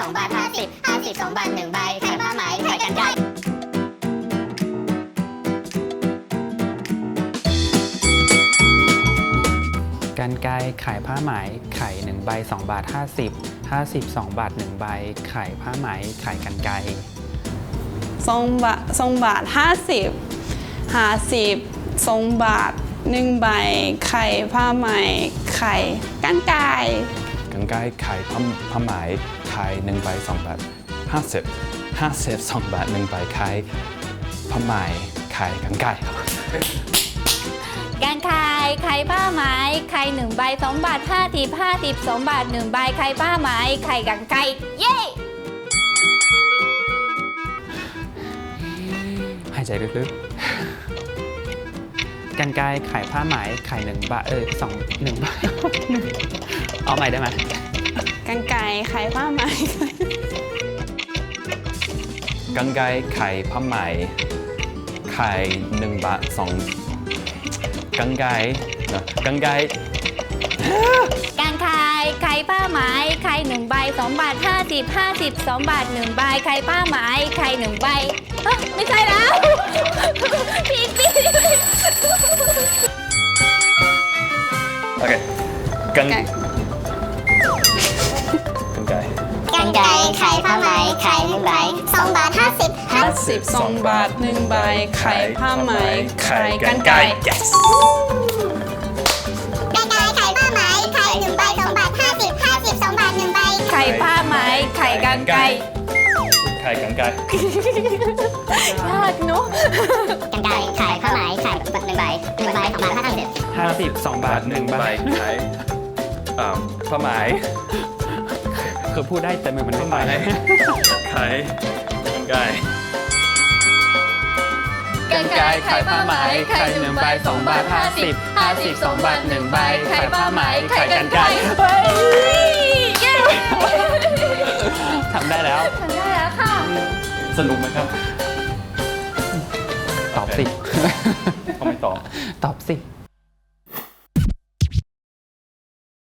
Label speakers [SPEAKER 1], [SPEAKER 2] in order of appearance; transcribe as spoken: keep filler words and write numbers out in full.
[SPEAKER 1] องบาทห้าสิบห้าสิบสองบาทหนึ่งใบขายผ้าไหมขายกรรไกร
[SPEAKER 2] กรรไกรขายผ้าไหมไข่หนึ่งใบสองบาทห้าสิบห้าสิบสองบาทหนึ่งใบไข่ผ้าไหมไข่กรรไกร
[SPEAKER 3] สองบาทสองบาทห้าสิบห้าสิบสองบาทหนึ่งใบไข่ผ้าไหมไข่กรรไกร
[SPEAKER 4] กรรไกรขายผ้าผ้าไหมขายหนึ่งใบสองบาทห้าสิบห้าสิบสองบาทหนึ่งใบขายผ้าไหมขายกรรไกรครับ
[SPEAKER 5] การขายขายผ้าไหมขายหนึ่งใบสองบาทห้าสิบห้าสิบสองบาทหนึ่งใบขายผ้าไหมขายกรรไกรเย้
[SPEAKER 2] หายใจลึกๆกรรไกรขายผ้าไหมไข่หนึ่งบาทเออสองหนึ่งบาท เอาใหม่ได้ไหม
[SPEAKER 3] กรรไกรไข่ผ้าไหม
[SPEAKER 4] กรรไกรขายผ้าไหมขายหนึ่งบาทสองกรรไกรนะกรรไกร
[SPEAKER 5] การขายขายผ้าไหมขายหนึ่งใบสองบาทห้าสิบห้าสิบสองบาทหนึ่งใบขายผ้าไหมขายหนึ่งใบเอ้อไม่ใช่แล้วผิดผิด
[SPEAKER 4] โอเคกรรไกรกรรไกร
[SPEAKER 1] กรรไกรขายผ้าไหมขายหนึ่งใบสองบาทห้าสิบห้า
[SPEAKER 3] ห้าสิบสองบาทหนึ่งใบไข่ผ้าไหมไข่กรรไกร
[SPEAKER 4] yes
[SPEAKER 1] กรรไกรขายผ้าไหมขายหนึ่งใบสองบาทห้าสิบห้าสิบสองบาทหนึ่งใบ
[SPEAKER 5] ไข่ผ้าไหมไข่กรรไกร
[SPEAKER 4] ขายกรรไกร
[SPEAKER 5] ยากเนอะ
[SPEAKER 1] กรรไกรขายผ้าไหมขายหนึ่งใบหนึ่งใบสองบาทห้าสิบ
[SPEAKER 2] ห้าสิบสองบาทหนึ่งใบ
[SPEAKER 4] ขายอ่าผ้าไหม
[SPEAKER 2] คือพูดได้แต่มือมันไม่ไป
[SPEAKER 4] ขายกรรไกร
[SPEAKER 2] กรรไกรขายผ้าไหมไข่หนึ่งใบสองบาทห้าสิบห้าสิบสองบาทหนึ่งใบไข่ผ้าไหมไข่กรรไกร
[SPEAKER 5] เฮ้ยเย้
[SPEAKER 2] ทำได้แล้ว
[SPEAKER 5] ทำได้แล้วค่ะ
[SPEAKER 4] สนุกไหมครับ
[SPEAKER 2] ตอบสิ
[SPEAKER 4] เขาไม่ตอบ
[SPEAKER 2] ตอบสิ